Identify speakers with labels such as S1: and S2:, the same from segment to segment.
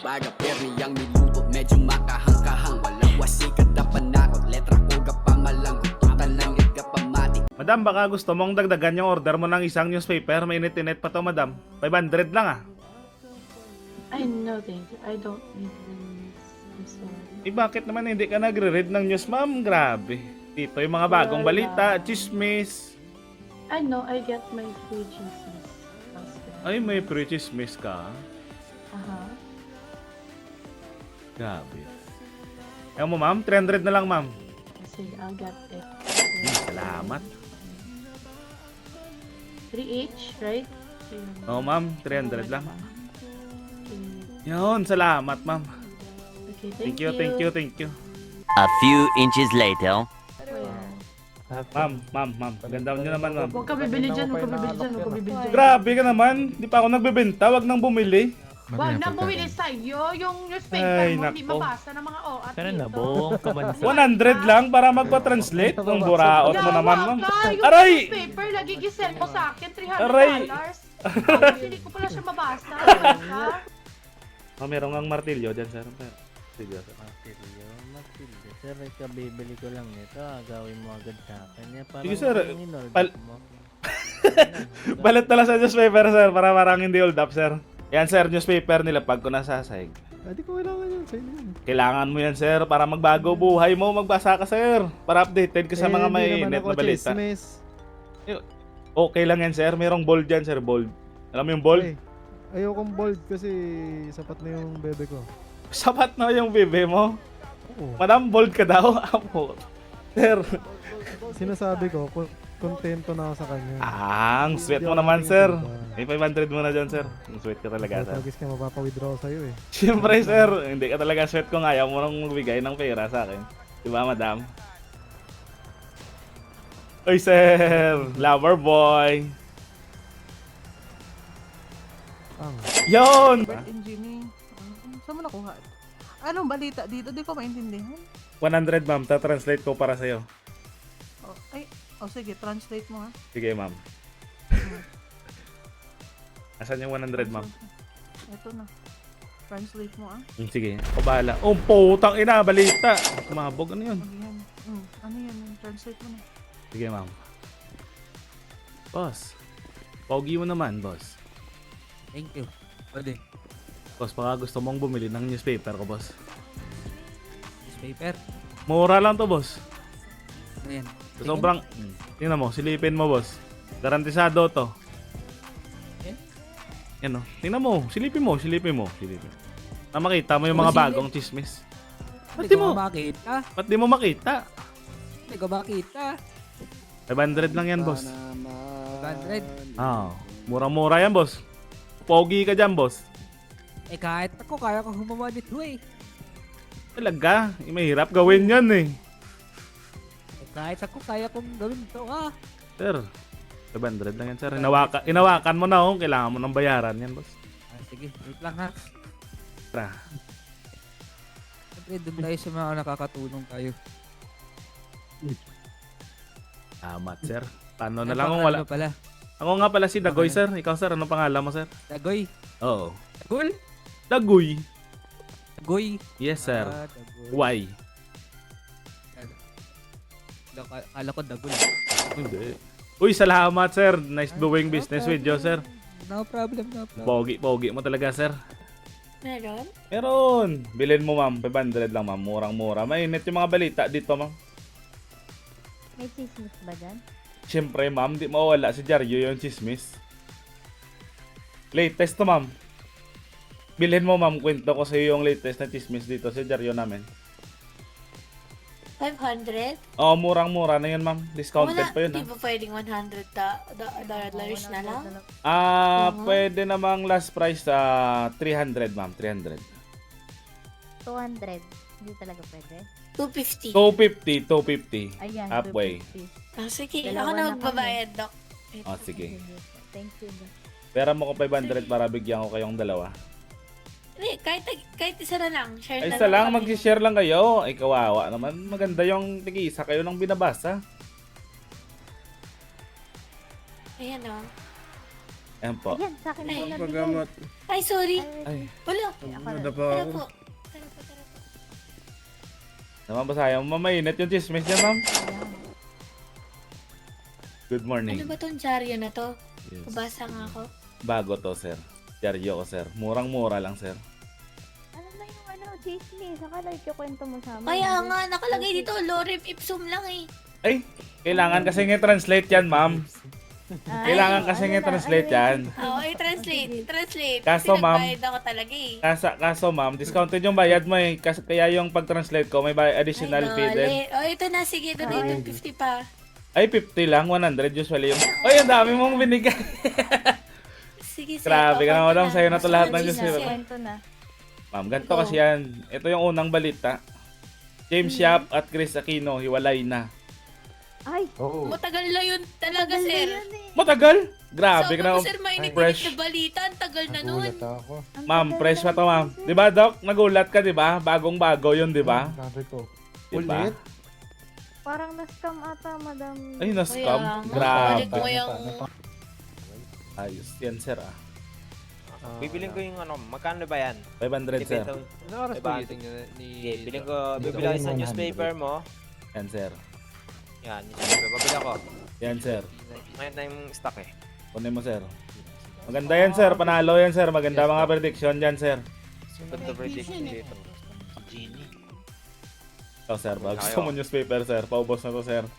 S1: para periyang niluto medyo makahangkahang walang wasikat na panakot letra ko gapamalang gututan lang pamati.
S2: Madam, baka gusto mong dagdagan yung order mo ng isang newspaper. Mainit-init pa to, madam. 500 lang ah.
S3: I no thank you. I don't need this. I'm sorry.
S2: Bakit naman hindi ka nagre-read ng news, ma'am? Grabe. Dito yung mga bagong balita, chismis.
S3: I know I get my free Jesus.
S2: Ay, may pre-chismis ka. Grabe. Ayaw mo, ma'am? 300 na lang, ma'am.
S3: Sige, I'll get it.
S2: Salamat.
S3: 3 each, right?
S2: Oo, ma'am. 300 lang.
S3: Okay.
S2: Yun, salamat, ma'am.
S3: Okay,
S2: Thank you, thank you, thank you.
S4: A few inches later.
S2: Ma'am. Ganda nyo naman, ma'am.
S3: Huwag ka bibili dyan, huwag ka bibili dyan, huwag ka bibili dyan.
S2: Grabe ka naman. Di pa ako nagbebenta. Wag nang bumili.
S3: Huwag nang bumili sa'yo yung newspaper
S2: Ay,
S3: mo, hindi
S2: nako.
S3: mabasa ng mga OAT
S5: Pero
S3: dito.
S5: nabong kamansa.
S2: 100 lang para magpa-translate. Ang buraot mo naman, ma'am.
S3: Yung
S2: Aray!
S3: newspaper, nagigisel mo sa akin, $300.
S2: Aray!
S3: Tapos hindi ko pala siya mabasa. Ha?
S2: Oh, meron ngang martilyo dyan, sir. Martilyo, sir.
S5: Martilyo. Sir, kabibili ko lang nito. Agawin mo agad sa akin. Parang
S2: Sige, sir.
S5: in-order
S2: Pal-
S5: mo.
S2: Balat na lang sa newspaper, sir. Para parang hindi hold up, sir. Yan, sir. Newspaper nila pag ko nasasayag.
S6: Hindi ko kailangan yun. Sa'yo yun.
S2: Kailangan mo yan, sir. Para magbago buhay mo. Magbasa ka, sir. Para updated ka sa mga
S6: Hindi naman
S2: mainit
S6: ako
S2: na balita.
S6: chismis.
S2: Okay lang yan, sir. Merong bold dyan, sir. Bold. Alam mo yung bold?
S6: Ay, ayokong bold kasi sapat na yung bebe ko.
S2: Sapat na yung bebe mo.
S6: Oo.
S2: Madam, bold ka daw. Apo. Sir.
S6: Sinasabi ko, kontento na ako sa kanya.
S2: Ang sweet mo naman, sir. May 500 mo na dyan, sir. Ang sweet ka talaga, sir.
S6: Pagkis ka, mapapa-withdraw sa'yo eh.
S2: Siyempre, sir. Hindi ka talaga sweet kung ayaw mo nang magbigay ng pera sa akin. Diba, madam? Oy, sir. Lover boy. Yon!
S7: Birth engineering. Saan mo nakuha? Anong balita dito? Di ko maintindihan.
S2: 100, ma'am. Ta-translate ko para sa'yo.
S7: Sige, translate mo ha.
S2: Sige, ma'am. Asan yung 100, ma'am?
S7: Ito na. Translate mo ah.
S2: Sige. Ako bahala. Oh, putang ina. Balita. Kumabog. Ano yun?
S7: Ano yan? Ano yan? Translate mo na.
S2: Sige, ma'am. Boss. Pogi mo naman, boss.
S5: Thank you. Pwede.
S2: Boss, baka gusto mong bumili ng newspaper ko, boss.
S5: Newspaper.
S2: Mura lang to, boss.
S5: Ano yan?
S2: Sobrang... Tingnan mo, silipin mo, boss. Garantisado to. Yan o. Tingnan mo, silipin mo. Na makita mo yung mga bagong chismis. Ba't di mo?
S5: makita.
S2: Ba't di mo makita?
S5: Hindi ko makita.
S2: 500 lang yan, boss.
S5: 100.
S2: Mura-mura yan, boss. Pogi ka dyan, boss.
S5: Kahit ako, kaya ko humawa nito eh.
S2: Talaga, mahirap gawin yan eh.
S5: Kahit ako, kaya kong gawin ito
S2: Sir, 500 lang yan, sir. Inawakan mo na, oh. Kailangan mo ng bayaran yan, boss.
S5: Sige, wait lang ha.
S2: Tara.
S5: Siyempre, doon tayo sa mga nakakatulong tayo.
S2: Amat, sir. Paano na lang kung wala?
S5: Ano pala?
S2: Ako nga pala si Dagoy, sir. Ikaw, sir. Anong pangalan mo, sir?
S5: Dagoy.
S2: Oo.
S5: Dagol?
S2: Dagoy.
S5: Dagoy.
S2: Yes, sir.
S5: Dagoy.
S2: Why?
S5: Akala ko dagol.
S2: Hindi. Uy, salamat, sir. Nice doing business with you, sir.
S5: No problem, no problem.
S2: Pogi mo talaga, sir.
S3: Meron?
S2: Meron. Bilhin mo, ma'am. 500 lang, ma'am. Murang-mura. Mainit yung mga balita dito, ma'am.
S8: May chismis ba dyan?
S2: Siyempre, ma'am. Di mawala si Jaryo yung chismis. Latest to, ma'am. Bilhin mo, ma'am. Kwento ko sa iyo yung latest na chismis dito sa Jaryo namin.
S9: 500?
S2: Oh, murang-mura na yun, ma'am. Discounted pa yun,
S9: Di
S2: ha?
S9: ba pwedeng $100 na lang?
S2: Pwede namang last price 300, ma'am. 300.
S8: 200. Hindi talaga pwede.
S9: 250.
S2: 250.
S8: Ayan,
S2: Halfway.
S8: 250.
S9: Sige,
S8: Dalawa
S9: ako na
S8: na
S9: magbabayad, Doc.
S2: Oh, sige.
S8: Thank you.
S2: Pera mo ko 500 para bigyan ko kayong dalawa.
S9: Hindi, kahit isa na lang. Share
S2: Ay,
S9: na
S2: isa lang.
S9: kami.
S2: Mag-share lang kayo. Ay, kawawa naman. Maganda yung tig-isa kayo ng binabasa.
S9: Ayan o.
S2: Ayan po.
S8: Ayan, sa akin po
S9: Ay,
S8: nabigay.
S6: Paggamot.
S9: Ay, sorry.
S2: Ay,
S9: Wala.
S8: Ako
S6: Ano
S8: na.
S6: pa
S9: Tara
S6: ako?
S9: po. Tara po, tara po.
S2: naman ba sayang? Mamainit yung chismis niya, ma'am.
S8: Ayan.
S2: Good morning.
S9: Ano ba tong dyaryo na to?
S2: Yes.
S9: Babasa nga ako.
S2: Bago to, sir. Diaryo ko, sir. Murang-mura lang, sir.
S8: Ano na yung chismis? Akala ikikwento mo sa amin.
S9: Kaya nga, nakalagay dito, lorem ipsum lang eh.
S2: Ay, kailangan kasi nga-translate yan, ma'am.
S8: Ay,
S2: Kailangan kasi
S8: ano na,
S2: nga-translate
S8: ano
S2: yan.
S9: Oo, translate. Translate.
S2: Kaso,
S9: Kasi
S2: ma'am,
S9: nagbayad ako talaga eh.
S2: Kaso, ma'am, discounted yung bayad mo eh. Kaya yung pag-translate ko, may additional fee din.
S9: Oh, ito na. Sige, ito na yung 50 pa.
S2: Ay, 50 lang. 100 usually yung... Ay, ang dami mong binigay.
S9: Sige, sige.
S2: Grabe ka na, madam. Sa'yo na to
S9: Gusto
S2: lahat
S9: ko
S2: ng
S9: na
S2: Diyos.
S9: sige.
S8: Kwento na.
S2: Ma'am, ganito kasi yan. Ito yung unang balita. James Yap at Chris Aquino, hiwalay na.
S8: Ay,
S9: Matagal na yun talaga, sir.
S2: Matagal? Grabe ka
S9: Sabi
S2: na.
S9: ko, sir, mainit
S2: Fresh.
S9: na balita. Ang tagal na nun.
S6: ako.
S2: Ma'am, fresh pa to, ma'am. Di ba, Doc? Nagulat ka, di ba? Bagong-bago yun, di ba?
S6: Sabi ko.
S2: Di ba?
S8: parang na-scam ata, madam.
S2: Ay, na-scam.
S9: Kaya nga,
S2: Grabe.
S9: balik mo yung...
S2: Ayos. Yan, sir, ah.
S10: Bibiling ko yung ano, magkano ba yan?
S2: 500, sir.
S6: Ano oras
S10: Diba?
S6: pa gising ni...
S10: Okay, bibili ako sa newspaper mo.
S2: Yan, sir.
S10: Yan, newspaper. Babili ako.
S2: Yan, sir.
S10: Ngayon na yung stock eh.
S2: Kunin mo, sir. Maganda yan, sir. Panalo yan, sir. Maganda mga prediction yan, sir.
S10: Good to prediction dito.
S2: Ito, sir. Pag gusto mo newspaper, sir. Paubos na to, sir.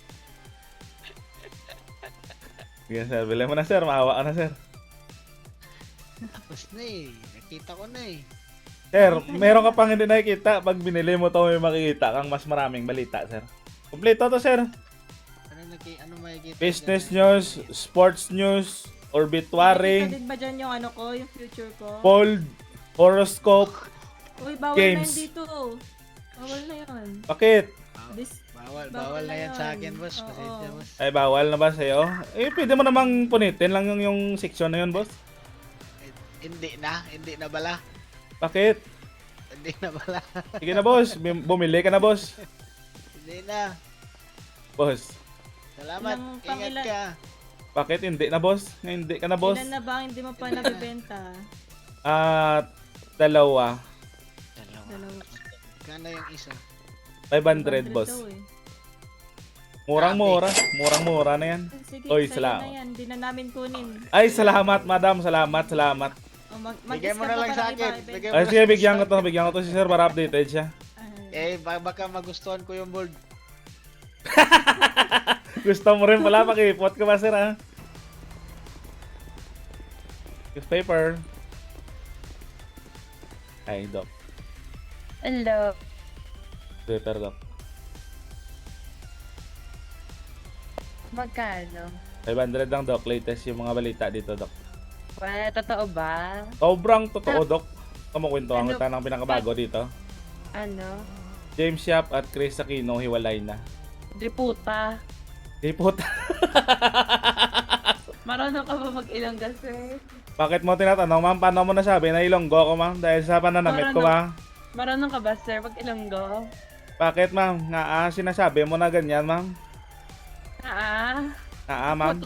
S2: Sige, sir. Bili mo na, sir. Maawa ka na, sir.
S11: Tapos na eh. Nakita ko na eh.
S2: Sir, meron ka pang hindi nakikita. Pag binili mo to, may makikita kang mas maraming balita, sir. Kompleto to, sir.
S11: Ano makikita?
S2: Business news, sports news, obituary,
S3: Din ba dyan yung ano ko, yung future ko?
S2: poll, horoscope.
S3: Uy, bawal
S2: games.
S3: na yan dito. Bawal na yan.
S2: Bakit?
S11: Bawal na yan sa akin, boss.
S3: Oo.
S11: Pasensya, boss.
S2: Ay, bawal na ba sa'yo? Eh, pwede mo namang punitin lang yung section na yun, boss.
S11: Hindi na bala.
S2: Bakit?
S11: Hindi na bala.
S2: Sige na, boss. Bumili ka na, boss.
S11: Hindi na.
S2: Boss.
S11: Salamat.
S3: Ilang
S11: Ingat
S3: pangilan?
S11: ka.
S2: Bakit hindi na, boss? Hindi ka na, boss.
S3: Ilan na ba ang hindi mo pa nabibenta?
S2: Dalawa.
S3: Dalawa.
S11: Kano yung isa?
S2: 500, boss.
S3: daw eh.
S2: Murang-mura. Murang-mura na yan.
S3: Sige,
S2: Oy,
S3: sa'yo
S2: salamat.
S3: na yan. Hindi na namin kunin.
S2: Ay, salamat, madam. Salamat.
S3: O,
S11: Bigay mo na lang sa akin. Bigay mo
S2: Ay,
S11: na-
S2: sige, bigyan ko to. Bigyan ko to si sir para updated siya.
S11: baka magustuhan ko yung bold.
S2: Gusto mo rin pala, pakipot ka ba, sir, ha? Newspaper. Ay, Doc.
S8: Hello.
S2: Newspaper, Doc.
S8: Magkano?
S2: 500 lang, Doc. Latest yung mga balita dito, Doc.
S8: Well, totoo ba?
S2: Sobrang totoo, Doc. Kumukwento ang
S8: Ano?
S2: kita ng pinakabago dito.
S8: Ano?
S2: James Yap at Chris Aquino hiwalay na.
S8: Di puta.
S2: Di puta.
S8: Marunong ka ba mag-ilongga, sir?
S2: Bakit mo tinatanong, ma'am? Paano mo nasabi na ilonggo ko, ma'am? Dahil sa pananamit ko, ma'am?
S8: Marunong ka ba, sir, mag-ilonggo?
S2: Bakit, ma'am? Nga, sinasabi mo na ganyan, ma'am? Ma'am?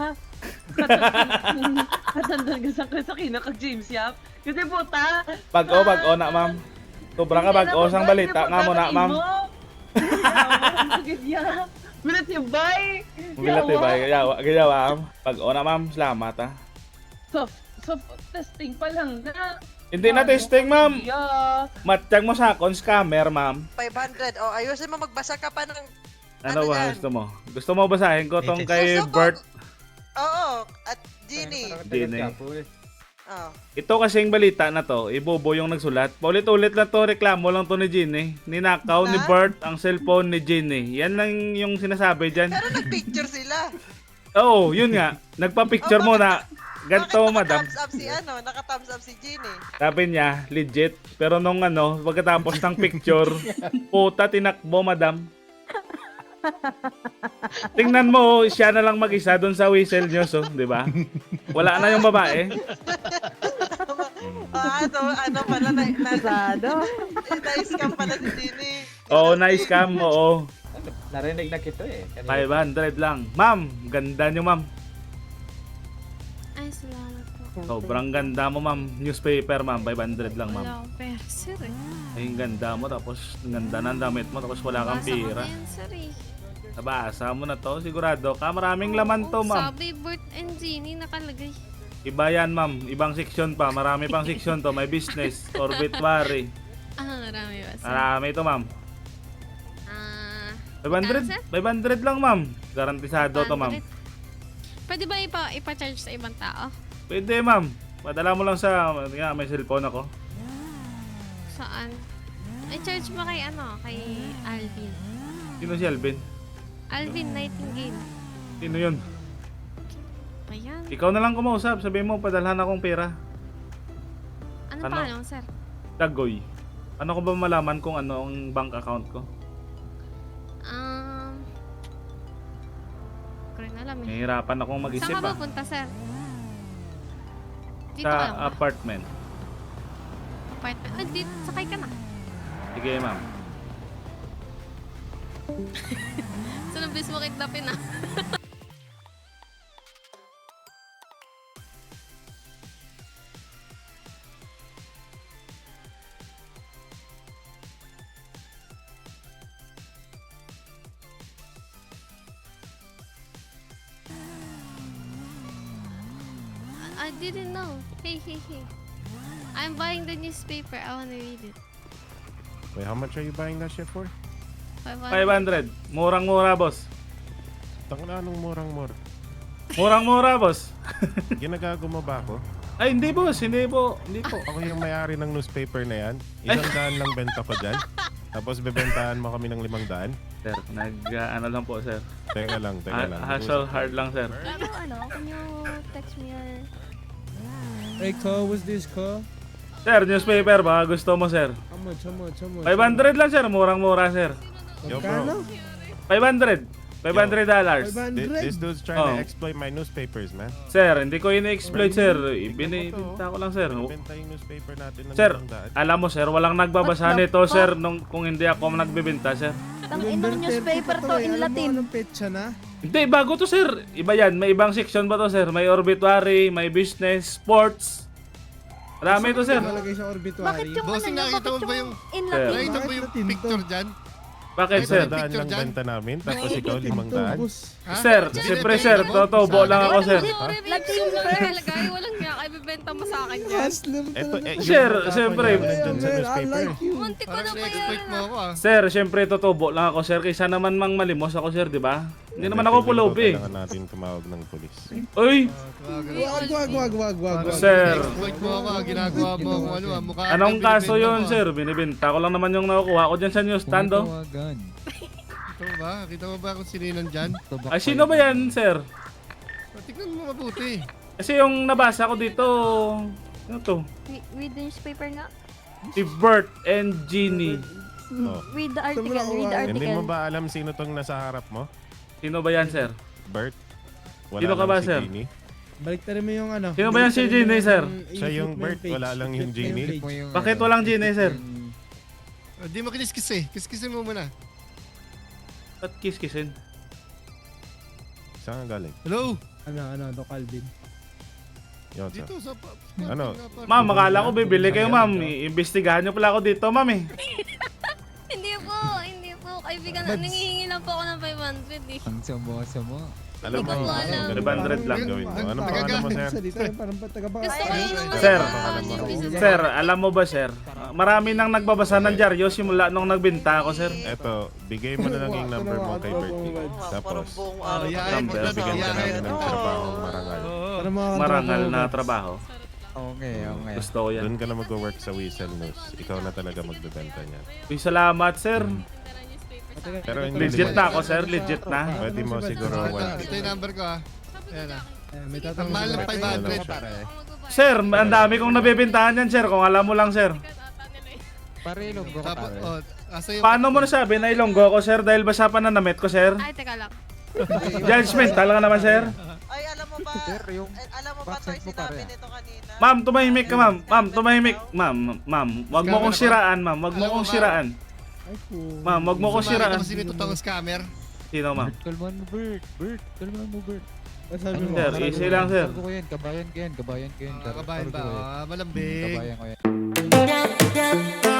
S8: Katandaan ka sa Sakina kag James Yap. Kasi puta.
S2: Bago na, ma'am. Sobra ka bago sang balita nga mo na, ma'am.
S8: Minat yung bay.
S2: Mubilat eh ba? Gayawa, ma'am. Bago na, ma'am. Salamat, ha.
S8: Soft testing pa lang na.
S2: Hindi na testing, ma'am.
S8: Yeah.
S2: Matiyag mo sa akong scammer, ma'am.
S7: 500. O, ayusin mo, magbasa ka pa ng...
S2: Ano ba
S7: yan?
S2: gusto mo? Gusto mo basahin ko tong kay
S7: Gusto ko.
S2: Bert?
S7: Oo, at Ginny.
S2: Gini.
S7: Oh.
S2: Ito kasing balita na to, ibobo yung nagsulat. Paulit-ulit lang to, reklamo lang to ni Ginny. Ninakaw ni Bert ang cellphone ni Ginny. Yan lang yung sinasabi dyan.
S7: Pero nag-picture sila.
S2: Oo, yun nga. Nagpa-picture mo na. Ganto, madam.
S7: Naka-thumbs up si naka-thumbs up si Ginny.
S2: Sabi niya, legit. Pero nung pagkatapos ng picture, puta, tinakbo, madam. Tingnan mo, siya na lang mag-isa doon sa Whistle News, oh, di ba? Wala na yung babae.
S7: Ano pala, na-scam pala si Ginny.
S2: Oo, na-scam, oo.
S10: Narinig na kita eh.
S2: 500 lang. Ma'am, ganda nyo, ma'am.
S9: Ay, salamat po.
S2: Sobrang ganda mo, ma'am. Newspaper, ma'am. 500 lang, ma'am.
S9: Wala akong pera, sir eh.
S2: Ay, ang ganda mo. Tapos, ang ganda ng damit mo. Tapos, wala kang
S9: Basa ko
S2: pira.
S9: na yan, sir eh.
S2: Nabasa mo na to. Sigurado ka. Maraming laman to, ma'am.
S9: Sabi, Bert and Jeannie nakalagay.
S2: Iba yan, ma'am. Ibang section pa. Marami pang section to. May business, obituary.
S9: Marami ba, sir?
S2: Marami to, ma'am. 500? 500 lang, ma'am. Garantisado to, ma'am.
S9: Pwede ba ipa-charge sa ibang tao?
S2: Pwede, ma'am. Padala mo lang sa... May cellphone ako.
S9: Saan? I-charge mo kay kay Alvin.
S2: Sino si Alvin?
S9: Alvin Nightingale.
S2: Sino yun?
S9: Ayan.
S2: Ikaw na lang kumausap. Sabihin mo, padalhan akong pera.
S9: Anong
S2: Ano?
S9: pangalan, sir?
S2: Dagoy. Ano ko ba malaman kung ano ang bank account ko?
S9: Ko rin alam eh.
S2: Nahihirapan akong mag-isip
S9: Saan ka
S2: ah.
S9: pupunta, sir? Dito ka lang
S2: Sa
S9: ba?
S2: apartment.
S9: Apartment? Dito, sakay ka na.
S2: Sige, ma'am.
S9: So, nabis mo kidnapin ah. I didn't know. Hey. I'm buying the newspaper. I wanna read it.
S6: Wait, how much are you buying that shit for?
S2: 500. Murang-mura, boss.
S6: Tangina, anong murang-mura?
S2: Murang-mura, boss.
S6: Ginagago mo ba ako?
S2: Ay, hindi, boss. Hindi po. Hindi po.
S6: Ako yung may-ari ng newspaper na yan. 100 lang benta ko dyan. Tapos bebentahan mo kami ng 500.
S2: Sir, ano lang po, sir.
S6: Teka lang.
S2: Hustle hard lang, sir.
S9: Can you text me your...
S6: Hey, call, what's this call?
S2: Sir, newspaper ba? Gusto mo, sir?
S6: How much?
S2: 500 lang, sir. Murang-mura, sir.
S6: Yo, bro.
S2: 500. $500.
S6: This dude's trying to exploit my newspapers, man.
S2: Sir, hindi ko ini-exploit, sir. Ibinibenta ko lang, sir.
S6: Benta yung newspaper natin ng
S2: Sir,
S6: 500.
S2: alam mo, sir, walang nagbabasa nito, sir, kung hindi ako nagbebenta, sir.
S3: Inang newspaper to in Latin.
S6: Anong petsa na?
S2: Hindi, bago to, sir. Iba yan. May ibang section ba to, sir? May obituary, may business, sports. Marami to, sir.
S6: Nalagay sa obituary.
S3: Bakit yung bakit yung in
S2: Sir.
S3: Latin?
S6: Nakita mo yung picture dyan?
S2: Bakit, sir?
S6: 500 lang benta namin, tapos ikaw 500.
S2: Sir, siyempre, sir. Totobo lang ako, sir.
S9: Latin, sir. Walang nga. Ibibenta mo sa akin yan.
S6: Eto,
S2: Sir, siyempre.
S6: Nandun sa newspaper.
S9: Muntik ko na bayaran.
S2: Sir, siyempre, totobo lang ako, sir. Kaysa naman mang malimos ako, sir, di ba? Hindi naman ako pulob, eh.
S6: Kailangan natin tumawag ng polis.
S2: Uy!
S6: Wag.
S2: Sir,
S11: ginagawa mo ano, mukha.
S2: anong kaso yun, sir? Binibenta ko lang naman yung nakukuha ko dyan sa newsstand, oh.
S11: Kita mo ba kung sino yun nandyan?
S2: Ay, sino ba yan, sir?
S11: Tignan mo mabuti.
S2: Kasi yung nabasa ko dito, ano to?
S3: Read the newspaper nga.
S2: Si Bert and Jeannie.
S6: Oh.
S3: Read the article.
S6: Hindi mo ba alam sino tong nasa harap mo?
S2: Sino ba yan, sir?
S6: Bert?
S2: Sino ka
S6: lang
S2: ba,
S6: si
S2: sir?
S6: Jeannie.
S5: Baliktarin mo yung ano.
S2: Sino ba yan si Jeannie, sir?
S6: Siya yung Bert, wala lang yung Jeannie.
S2: Bakit walang Jeannie, sir?
S11: Di mo kiniskis eh. Kiskisin mo muna.
S2: Ba't kiss-kissin?
S6: Saan ka galing?
S11: Hello?
S5: Ano, Doc Alvin.
S6: Yun, sir.
S11: Dito sa...
S6: Ano?
S2: Ma'am, akala ko bibili kayo, ma'am. Iimbestigahan nyo pala ako dito, ma'am, eh.
S9: Hindi po. Kaibigan, nangihingi lang po ako ng 500 eh.
S11: Ang samo.
S6: Alam mo,
S9: Hindi ko alam.
S2: 500 lang.
S6: gawin mo. Ano pangalan mo, sir?
S9: Gusto ko yun ng
S2: Sir.
S9: business.
S2: Sir, alam mo ba, sir? Marami nang nagbabasa ng dyaryo simula nung nagbenta ako, sir.
S6: Eto, bigay mo na lang yung number mo kay Bertie. Tapos,
S2: Number,
S6: bigyan ka namin ng trabaho marangal.
S2: Marangal na trabaho.
S11: Okay.
S2: Gusto ko yan.
S6: Doon ka na mag-work sa Whistle News. Ikaw na talaga magbebenta niyan.
S2: Uy, salamat, sir.
S6: Pero hindi
S2: Legit na ako, sir. Legit na.
S6: Pwede mo siguro
S11: Ito yung number ko ah. Ayan ah.
S5: May
S11: Ang mahal ng 500 pare.
S2: Sir, ang dami kong nabibintahan yan, sir. Kung alam mo lang, sir.
S11: Tapos, asa yung...
S2: Paano mo nasabi na ilonggo ko, sir? Dahil ba sa pananamit ko, sir?
S9: Ay, teka lang.
S2: Judgment, talaga naman, sir.
S8: Ay, alam mo ba? Alam mo ba ito sinabi nito kanina?
S2: Ma'am, tumahimik ka, ma'am. Ma'am, tumahimik. Ma'am, wag mo kong siraan, ma'am. Wag mo kong siraan. Ma'am, wag mo kong siraan.
S11: Sino sino itong scammer?
S2: Sino, ma'am?
S5: Kalman mo, Bert. Kalman mo, Bert.
S2: Sir, easy lang, sir.
S11: Kabayan ko yan.
S12: Kabayan ba? Malambing.
S11: Kabayan ko yan.